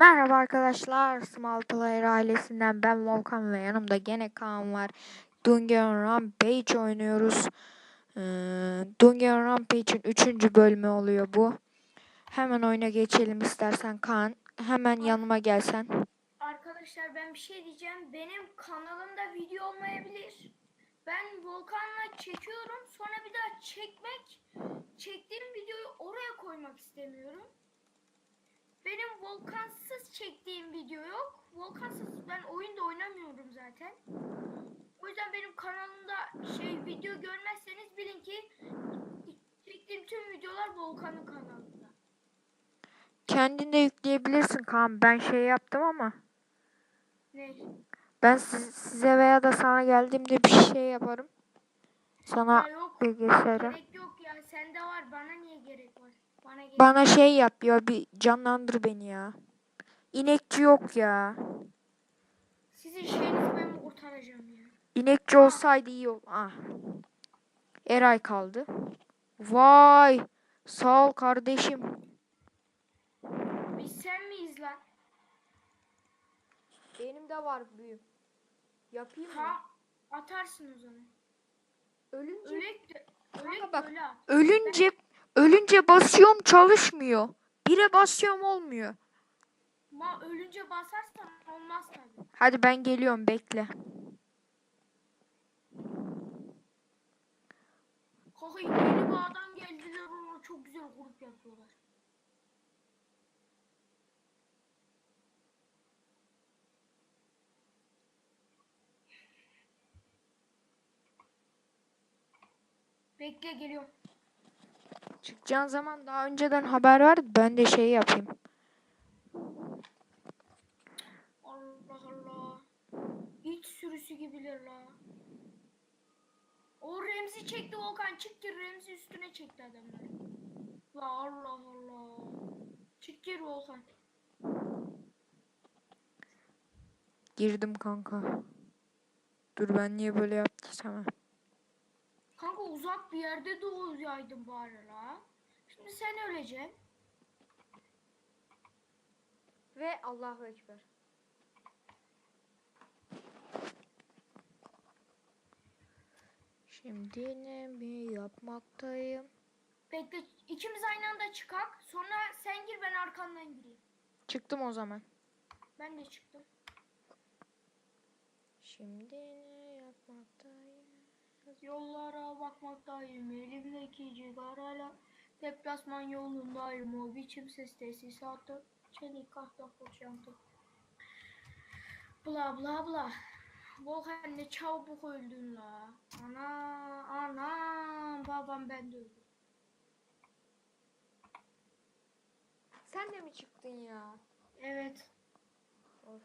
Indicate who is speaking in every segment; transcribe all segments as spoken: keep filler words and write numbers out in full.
Speaker 1: Merhaba arkadaşlar, Small Player ailesinden ben Volkan ve yanımda gene Kaan var. Dungeon Rampage oynuyoruz. Ee, Dungeon Rampage'in üçüncü bölümü oluyor bu. Hemen oyuna geçelim istersen Kaan. Hemen
Speaker 2: Ar-
Speaker 1: yanıma gelsen.
Speaker 2: Arkadaşlar ben bir şey diyeceğim. Benim kanalımda video olmayabilir. Ben Volkan'la çekiyorum. Sonra bir daha çekmek, çektiğim videoyu oraya koymak istemiyorum. Benim Volkansız çektiğim video yok. Volkansız ben oyunda oynamıyorum zaten. O yüzden benim kanalımda şey video görmezseniz bilin ki çektiğim tüm videolar Volkan'ın kanalında.
Speaker 1: Kendin de yükleyebilirsin Kaan. Ben şey yaptım ama.
Speaker 2: Ne?
Speaker 1: Ben siz- size veya da sana geldiğimde bir şey yaparım. Sana
Speaker 2: Ya yok.
Speaker 1: bilgisayara.
Speaker 2: Gerek yok ya. Sende var. Bana niye gerek var? Bana gerek
Speaker 1: Bana
Speaker 2: yok.
Speaker 1: şey yap ya, bir canlandır beni ya. İnekçi yok ya.
Speaker 2: Sizin şeyinizi ben kurtaracağım ya.
Speaker 1: İnekçi
Speaker 2: Aa,
Speaker 1: olsaydı iyi ol. Ah. Eray kaldı. Vay. Sağ ol kardeşim.
Speaker 2: biz sen miyiz lan?
Speaker 1: Benim de var büyüm. Yapayım mı?
Speaker 2: Ha, atarsın o zaman.
Speaker 1: Ölünce
Speaker 2: Ölek de, ölek
Speaker 1: Kanka
Speaker 2: de
Speaker 1: bak.
Speaker 2: öyle at.
Speaker 1: Ölünce ölünce basıyorum çalışmıyor. Bire basıyorum olmuyor.
Speaker 2: Ma ölünce basarsan olmaz tabii.
Speaker 1: Hadi ben geliyorum, bekle.
Speaker 2: Kanka yeni bağdan geldiler ama çok güzel grup yapıyorlar. Bekle geliyorum.
Speaker 1: Çıkacağın zaman daha önceden haber ver, ben de şey yapayım.
Speaker 2: Allah Allah. İç sürüsü gibiler la. O Remzi çekti Volkan, çık gir, Remzi üstüne çekti adamlar. La Allah Allah. Çık gir Volkan.
Speaker 1: Girdim kanka. Dur, ben niye böyle yaptıysam.
Speaker 2: Kanka uzak bir yerde doğuyaydın bari la. Şimdi sen öleceksin.
Speaker 1: Ve Allahu Ekber. Şimdi ne mi yapmaktayım?
Speaker 2: Bekle, ikimiz aynı anda çıkak. Sonra sen gir, ben arkandan gireyim.
Speaker 1: Çıktım o zaman.
Speaker 2: Ben de çıktım.
Speaker 1: Şimdi ne yapmaktayım?
Speaker 2: Yollara bakmaktayım, elimdeki cigarayla. Deplasman yolundayım, o biçim ses tesisatı. Çelik kahta koşantı. Bla bla bla. Volkan ne çabuk öldün la. Ana, anam, babam ben de öldüm.
Speaker 1: Sen de mi çıktın ya?
Speaker 2: Evet.
Speaker 1: Of.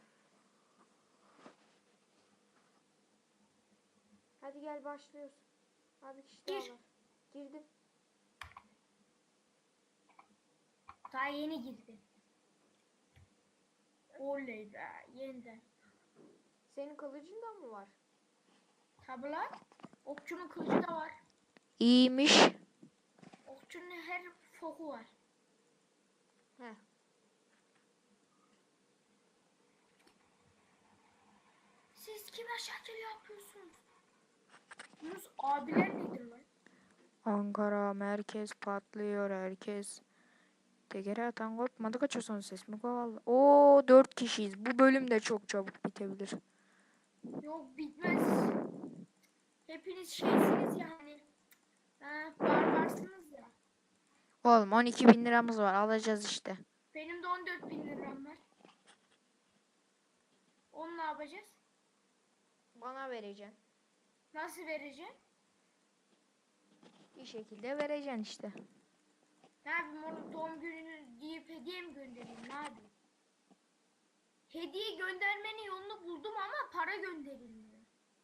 Speaker 1: Hadi gel başlıyoruz. Abi kişi daha
Speaker 2: Gir.
Speaker 1: var. Girdim.
Speaker 2: Daha yeni girdi. Oley be, yeniden.
Speaker 1: Senin kılıcın da mı var?
Speaker 2: Tabi lan. Okçunun kılıcı da var.
Speaker 1: İyiymiş.
Speaker 2: Okçunun her foku var.
Speaker 1: Heh.
Speaker 2: Siz kime şekil yapıyorsunuz? Yunus abiler nedir lan?
Speaker 1: Ankara merkez patlıyor herkes. Tekere atan kopmadı, kaçıyorsun ses mi kovalı? Oo, dört kişiyiz. Bu bölüm de çok çabuk bitebilir.
Speaker 2: Yok bitmez. Hepiniz şeysiniz yani. Ha, barbarsınız ya.
Speaker 1: Oğlum on iki bin liramız var, alacağız işte.
Speaker 2: Benim de on dört bin liram var. Onu ne yapacağız?
Speaker 1: Bana vereceksin.
Speaker 2: Nasıl vereceğim?
Speaker 1: Bir şekilde vereceksin işte.
Speaker 2: Ne yapayım, onu doğum gününü deyip hediye mi göndereyim, ne yapayım? Hediye göndermenin yolunu buldum ama para gönderilmiyor.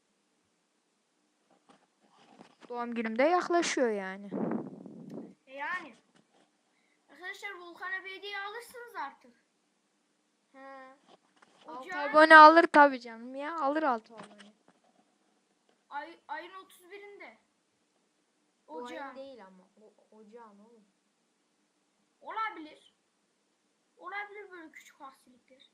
Speaker 1: Doğum günüm de yaklaşıyor yani.
Speaker 2: E yani. Arkadaşlar Volkan'a bir hediye alırsınız artık.
Speaker 1: He. altı
Speaker 2: Ocağın
Speaker 1: abone alır tabii canım ya. Alır altı abone.
Speaker 2: ay, ayın otuz birinde.
Speaker 1: Bu ayın
Speaker 2: Ocağın.
Speaker 1: değil ama. O, ocağın oğlum.
Speaker 2: Olabilir. Olabilir, böyle küçük şu aksilikler.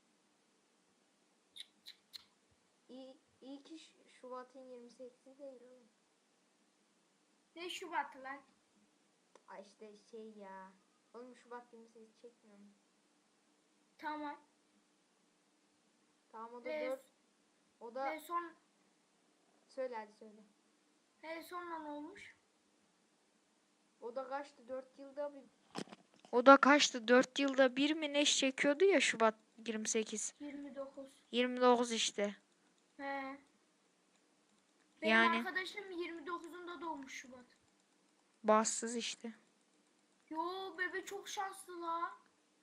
Speaker 1: İyi, iyi ki Ş- Şubat'ın yirmi sekizi değil oğlum.
Speaker 2: Ne Şubat'ı lan?
Speaker 1: Ay işte şey ya. Oğlum Şubat yirmi sekiz çekmiyor mu?
Speaker 2: Tamam.
Speaker 1: Tamam o da
Speaker 2: Ve,
Speaker 1: dört. O da
Speaker 2: ve son
Speaker 1: söyle hadi söyle.
Speaker 2: ve sonra ne olmuş?
Speaker 1: O da kaçtı? dört yılda bir. O da kaçtı? dört yılda bir mi ne çekiyordu ya Şubat yirmi sekiz.
Speaker 2: yirmi dokuz.
Speaker 1: yirmi dokuz işte.
Speaker 2: He. Benim
Speaker 1: Yani
Speaker 2: arkadaşım yirmi dokuzunda doğmuş Şubat.
Speaker 1: bassız işte.
Speaker 2: Yo bebe çok şanslı la.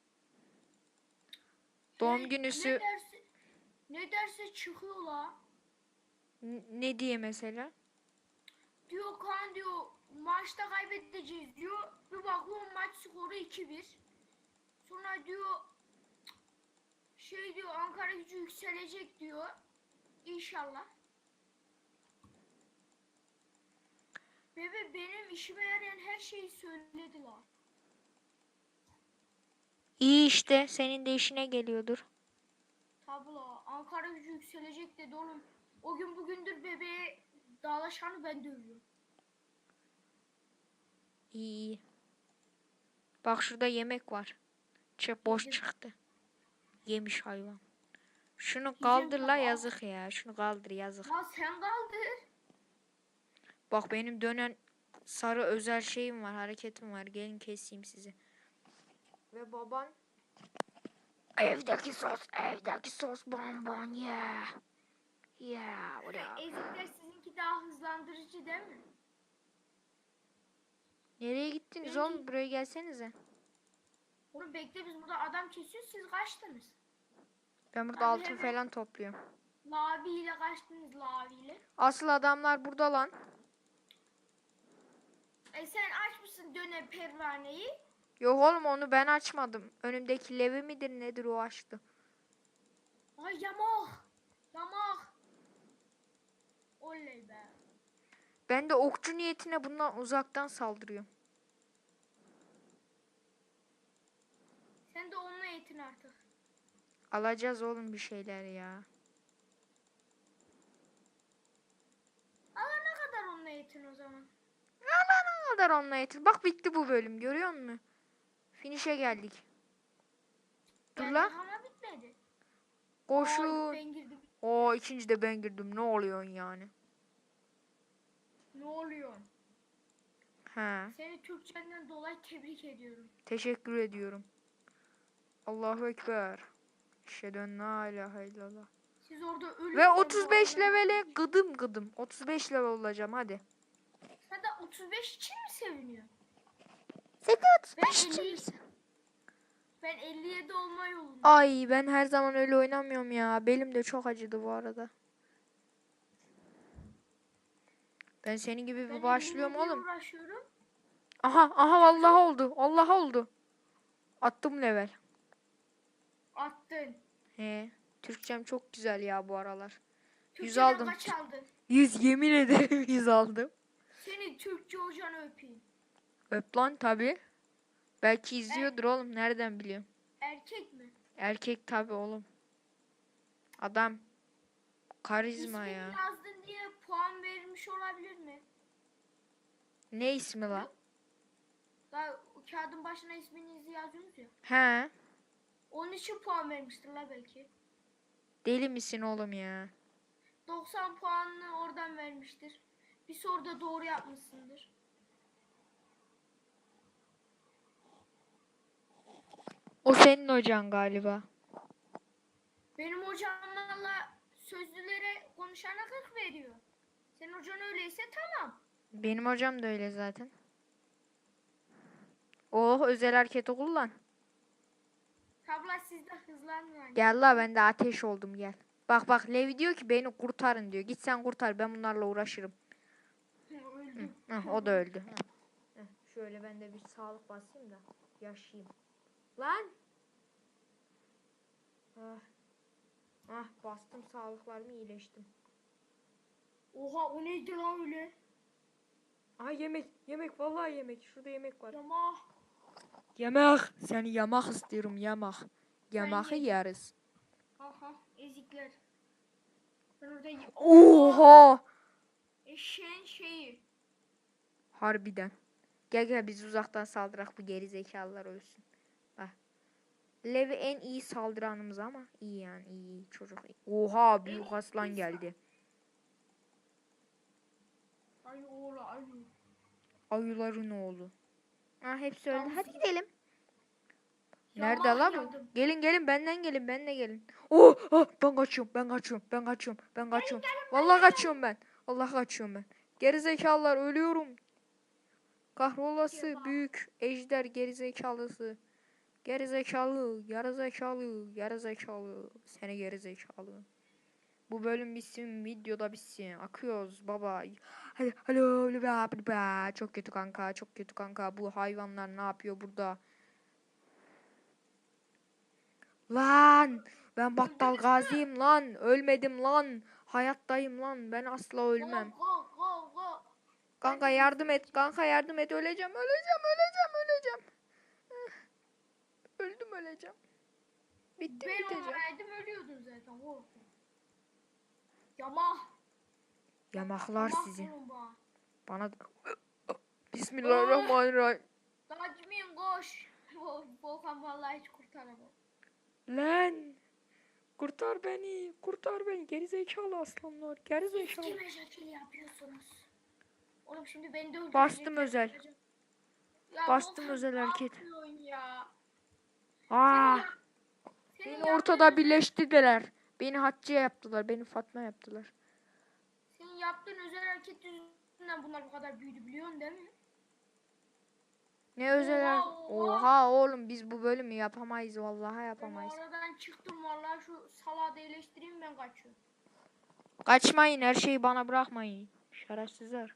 Speaker 1: Doğum
Speaker 2: Hey,
Speaker 1: günüsü
Speaker 2: ne derse ne derse çıkıyor la.
Speaker 1: n- ne diye mesela?
Speaker 2: Diyor kan diyor maçta kaybedeceğiz diyor. Bir bakıyorum maç skoru iki bir. Sonra diyor şey diyor Ankara Gücü yükselecek diyor. İnşallah. Bebe benim işime yarayan her şeyi söyledi la.
Speaker 1: İyi işte senin de işine geliyordur.
Speaker 2: Tablo Ankara Gücü yükselecek dedi oğlum. O gün bugündür bebeğe dağlaşanı ben dövüyorum.
Speaker 1: İyi iyi. Bak şurada yemek var. Çık boş
Speaker 2: Yedim.
Speaker 1: çıktı. Yemiş hayvan. Şunu
Speaker 2: Yiyeceğim
Speaker 1: kaldır la
Speaker 2: tabii, al.
Speaker 1: yazık ya. Şunu kaldır yazık.
Speaker 2: Ya sen kaldır.
Speaker 1: Bak benim dönen sarı özel şeyim var, hareketim var. Gelin keseyim sizi. Ve baban evdeki sos, evdeki sos bonbon yeah. Yeah, what up?
Speaker 2: Ezikler sizinki daha hızlandırıcı değil mi?
Speaker 1: Nereye gittiniz
Speaker 2: Benimki-
Speaker 1: oğlum? Buraya gelsenize.
Speaker 2: Oğlum bekle biz burada adam kesiyoruz siz kaçtınız.
Speaker 1: Ben burada
Speaker 2: Abi
Speaker 1: altın
Speaker 2: hemen-
Speaker 1: falan topluyorum.
Speaker 2: Lavi ile kaçtınız Lavi ile.
Speaker 1: Asıl adamlar burada lan.
Speaker 2: E sen açmışsın döne pervaneyi.
Speaker 1: Yok oğlum onu ben açmadım. Önümdeki levi midir nedir o açtı.
Speaker 2: Ay yamak. Yamak. Oley be.
Speaker 1: Ben de okçu niyetine bundan uzaktan saldırıyorum.
Speaker 2: Sen de onunla eğitin artık.
Speaker 1: Alacağız oğlum bir şeyler ya.
Speaker 2: Ama ne kadar onunla eğitin o zaman?
Speaker 1: Ne kadar onunla yeter. Bak bitti bu bölüm görüyor musun? Finish'e geldik. Dur
Speaker 2: Geldik
Speaker 1: lan.
Speaker 2: ama bitmedi. Ay,
Speaker 1: Koşun.
Speaker 2: ben girdim.
Speaker 1: Oo ikinci de ben girdim. Ne oluyorsun yani?
Speaker 2: Ne oluyor?
Speaker 1: He.
Speaker 2: Seni Türkçenden dolayı tebrik ediyorum.
Speaker 1: Teşekkür ediyorum. Allahu Ekber. Eşhedü en la ilahe illallah.
Speaker 2: Siz orada ölün.
Speaker 1: Ve otuz beş levele gıdım gıdım. otuz beş level olacağım hadi.
Speaker 2: Sen de otuz beş için mi seviniyorsun?
Speaker 1: Sen de otuz
Speaker 2: Ben
Speaker 1: beş için
Speaker 2: elli
Speaker 1: misin?
Speaker 2: Ben elli yedi olma yolundayım.
Speaker 1: Ay ben her zaman öyle oynamıyorum ya. Belim de çok acıdı bu arada. Ben senin gibi
Speaker 2: Ben
Speaker 1: bir başlıyorum
Speaker 2: elli yediye
Speaker 1: oğlum.
Speaker 2: uğraşıyorum.
Speaker 1: Aha aha vallahi oldu. Allah oldu. Attım level.
Speaker 2: Attın.
Speaker 1: He. Türkçem çok güzel ya bu aralar. yüz
Speaker 2: Türkçeden
Speaker 1: aldım.
Speaker 2: kaç aldın?
Speaker 1: yüz yemin ederim yüz aldım.
Speaker 2: Seni Türkçe hocanı öpeyim.
Speaker 1: Öp lan tabi. Belki izliyordur oğlum. Nereden biliyorum?
Speaker 2: Erkek mi?
Speaker 1: Erkek tabi oğlum. Adam. Karizma
Speaker 2: İsmini
Speaker 1: ya.
Speaker 2: yazdın diye puan verilmiş olabilir mi?
Speaker 1: Ne ismi lan?
Speaker 2: Daha o kağıdın başına isminizi yazıyorsunuz ya.
Speaker 1: He.
Speaker 2: Onun için puan vermiştir la belki.
Speaker 1: Deli misin oğlum ya?
Speaker 2: doksan puanını oradan vermiştir. Bir soruda doğru yapmışsındır.
Speaker 1: O senin hocan galiba.
Speaker 2: Benim hocamlarla sözlülere konuşana kırk veriyor. Senin hocan öyleyse tamam.
Speaker 1: Benim hocam da öyle zaten. Oh özel hareketi kullan.
Speaker 2: Tabla sizde hızlanmıyor.
Speaker 1: Gel la ben de ateş oldum gel. Bak bak Levi diyor ki beni kurtarın diyor. Git sen kurtar ben bunlarla uğraşırım.
Speaker 2: Öldüm.
Speaker 1: Heh, o da öldü. Heh, şöyle ben de bir sağlık basayım da yaşayayım. Lan. Ah. Ah bastım sağlıklarımı iyileştim.
Speaker 2: Oha o neydi lan öyle?
Speaker 1: Aha yemek yemek vallahi yemek. Şurada yemek var.
Speaker 2: Yama.
Speaker 1: Yemek. Seni yamak istiyorum yamak. Yemeği
Speaker 2: yedim.
Speaker 1: yeriz.
Speaker 2: Aha ezikler. Ben orada y-
Speaker 1: Oha!
Speaker 2: Eşeğin şeyi.
Speaker 1: Harbiden. Gel gel biz uzaktan saldırak bu geri zekalılar ölsün. Bak. Levi en iyi saldıranımız ama iyi yani iyi, iyi çocuk. Oha büyük aslan geldi.
Speaker 2: Ay oğlu ay.
Speaker 1: Ayıların oğlu. Ha hepsi öldü.
Speaker 2: Yalnız-
Speaker 1: Hadi gidelim. Nerede
Speaker 2: Yamah
Speaker 1: la bu?
Speaker 2: yadım.
Speaker 1: Gelin gelin benden gelin benle gelin. Oh, oh ben kaçıyorum ben kaçıyorum ben kaçıyorum ben kaçıyorum. Vallahi kaçıyorum ben. Allah kaçıyorum ben. Gerizekalılar ölüyorum. Kahrolası
Speaker 2: Yamah.
Speaker 1: büyük ejder gerizekalısı. Gerizekalı, yarızekalı, yarızekalı. Seni gerizekalı. Bu bölüm bitsin, videoda bitsin. Akıyoruz baba. Hadi, halo, halo, halo. Çok kötü kanka, çok kötü kanka. Bu hayvanlar ne yapıyor burada? Lan, ben Battal
Speaker 2: Öldünüz mü?
Speaker 1: Gazi'yim lan. Ölmedim lan. Hayattayım lan. Ben asla ölmem.
Speaker 2: Go go go go.
Speaker 1: Kanka
Speaker 2: Ben de
Speaker 1: yardım et,
Speaker 2: izleyeceğim.
Speaker 1: kanka yardım et. Öleceğim, öleceğim, öleceğim, öleceğim. Öldüm, öleceğim. Bittim,
Speaker 2: Ben
Speaker 1: biteceğim.
Speaker 2: olmayaydım ölüyordun zaten korktum. Yamah.
Speaker 1: Yamaklar
Speaker 2: Yamah
Speaker 1: sizi.
Speaker 2: olun bana.
Speaker 1: Bana Bismillahirrahmanirrahim.
Speaker 2: Dacmin koş. Volkan vallahi hiç kurtaramam.
Speaker 1: Lan kurtar beni, kurtar beni. Gerizekalı aslanlar,
Speaker 2: Siz
Speaker 1: gerizekalı.
Speaker 2: kime şekil yapıyorsunuz? Oğlum şimdi beni de öldürecekler.
Speaker 1: Bastım özel.
Speaker 2: Ya
Speaker 1: Bastım
Speaker 2: Volkan,
Speaker 1: özel
Speaker 2: ne
Speaker 1: hareket.
Speaker 2: yapıyorsun ya?
Speaker 1: Aa,
Speaker 2: Senin, yap, senin
Speaker 1: beni
Speaker 2: yaptığın
Speaker 1: ortada
Speaker 2: özel,
Speaker 1: birleştirdiler. Beni Hatice yaptılar, beni Fatma yaptılar.
Speaker 2: senin yaptığın özel hareket yüzünden bunlar bu kadar büyüdü biliyorsun değil mi?
Speaker 1: Ne özel
Speaker 2: Oha,
Speaker 1: hareket?
Speaker 2: oha.
Speaker 1: Oha oğlum biz bu bölümü yapamayız vallahi
Speaker 2: Ben
Speaker 1: yapamayız.
Speaker 2: oradan çıktım vallahi şu salağı da iyileştireyim ben kaçıyorum.
Speaker 1: Kaçmayın, her şeyi bana bırakmayın. Şerefsizler.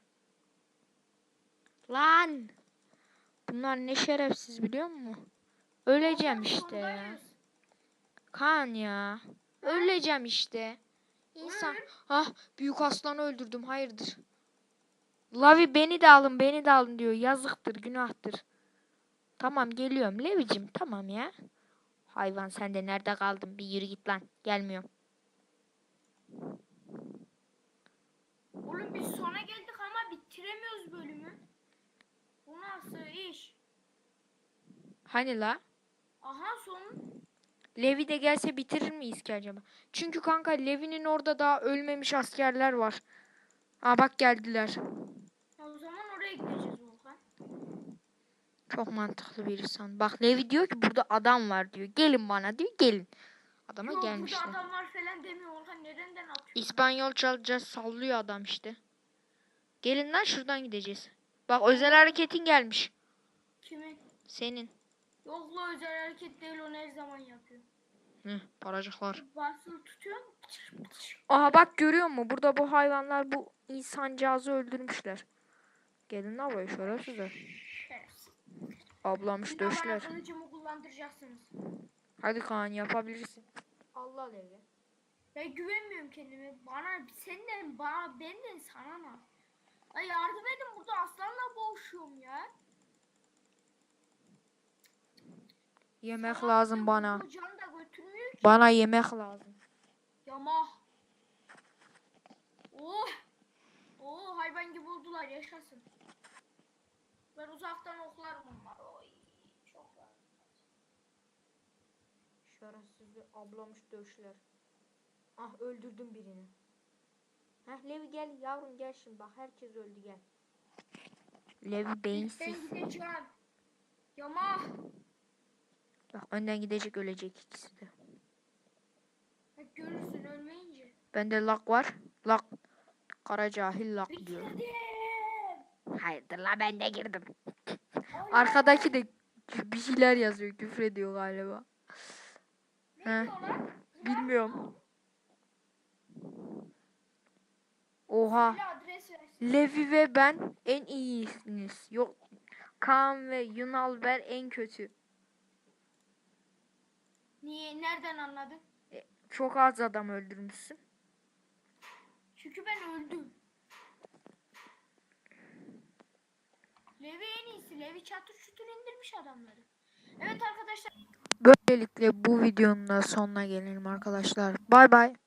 Speaker 1: Lan! Bunlar ne şerefsiz biliyor musun? Öleceğim
Speaker 2: Volkan
Speaker 1: işte ya.
Speaker 2: sondayız.
Speaker 1: Kaan ya. Öleceğim işte. İnsan.
Speaker 2: Öl.
Speaker 1: Ah büyük aslanı öldürdüm. Hayırdır? Lavi beni de alın beni de alın diyor. Yazıktır günahtır. Tamam geliyorum Levicim tamam ya. Hayvan sen de nerede kaldın? Bir yürü git lan. Gelmiyorum.
Speaker 2: Oğlum biz sona geldik ama bitiremiyoruz bölümü. Bu nasıl iş?
Speaker 1: Hani la?
Speaker 2: Aha son.
Speaker 1: Levi de gelse bitirir miyiz ki acaba? Çünkü kanka Levi'nin orada daha ölmemiş askerler var. Aa bak geldiler.
Speaker 2: O zaman oraya gideceğiz Volkan.
Speaker 1: Çok mantıklı bir insan. Bak Levi diyor ki burada adam var diyor. Gelin bana diyor gelin. Adama
Speaker 2: Yok burada
Speaker 1: gelmişler.
Speaker 2: adamlar falan demiyor Volkan. Nereden atıyor?
Speaker 1: İspanyol çalacağız sallıyor adam işte. Gelin lan şuradan gideceğiz. Bak özel hareketin gelmiş.
Speaker 2: Kimin?
Speaker 1: Senin.
Speaker 2: Yok la özel hareket değil onu her zaman yapıyor.
Speaker 1: Hı, paracıklar.
Speaker 2: Basılı tutuyor.
Speaker 1: Aha bak görüyor musun? Burada bu hayvanlar bu insancağızı öldürmüşler. Gelin lan buraya şerefsizler.
Speaker 2: Şerefsiz.
Speaker 1: Ablamış
Speaker 2: Bir de bana
Speaker 1: döşler.
Speaker 2: kılıcımı kullandıracaksınız.
Speaker 1: Hadi Kaan yapabilirsin. Allah Levi.
Speaker 2: Ben güvenmiyorum kendime. Bana senden bana benden sana ne? Ay yardım edin burada aslanla boğuşuyorum ya.
Speaker 1: Yemek
Speaker 2: Sana
Speaker 1: lazım
Speaker 2: dedim,
Speaker 1: bana.
Speaker 2: bu can da götürmüyor ki.
Speaker 1: Bana yemek lazım.
Speaker 2: Yamah. Oh. Oh hayvan gibi oldular yaşasın. Ben uzaktan oklarım onları. Oy. Çok rahat.
Speaker 1: Şerefsiz ablamış döşler. Ah öldürdüm birini. Heh Levi gel yavrum gel şimdi bak herkes öldü gel. Levi beyinsiz.
Speaker 2: Ben gideceğim. Yamah.
Speaker 1: Bak önden gidecek ölecek ikisi de.
Speaker 2: Bak görürsün ölmeyince.
Speaker 1: Bende lak var. Lak. Kara cahil lak diyor.
Speaker 2: Bitirdim.
Speaker 1: Hayırdır la ben de girdim.
Speaker 2: Oley.
Speaker 1: Arkadaki de bir şeyler yazıyor küfür ediyor galiba.
Speaker 2: Ne
Speaker 1: He.
Speaker 2: diyorlar?
Speaker 1: Bilmiyorum. Oha.
Speaker 2: Söyle adres versin.
Speaker 1: Levi ve ben en iyisiniz. Yok. Kaan ve Yunalber en kötü.
Speaker 2: Niye? Nereden anladın?
Speaker 1: E, çok az adam öldürmüşsün.
Speaker 2: Çünkü ben öldüm. Levi en iyisi. Levi çatır çutur indirmiş adamları. Evet arkadaşlar.
Speaker 1: Böylelikle bu videonun da sonuna gelelim arkadaşlar. Bay bay.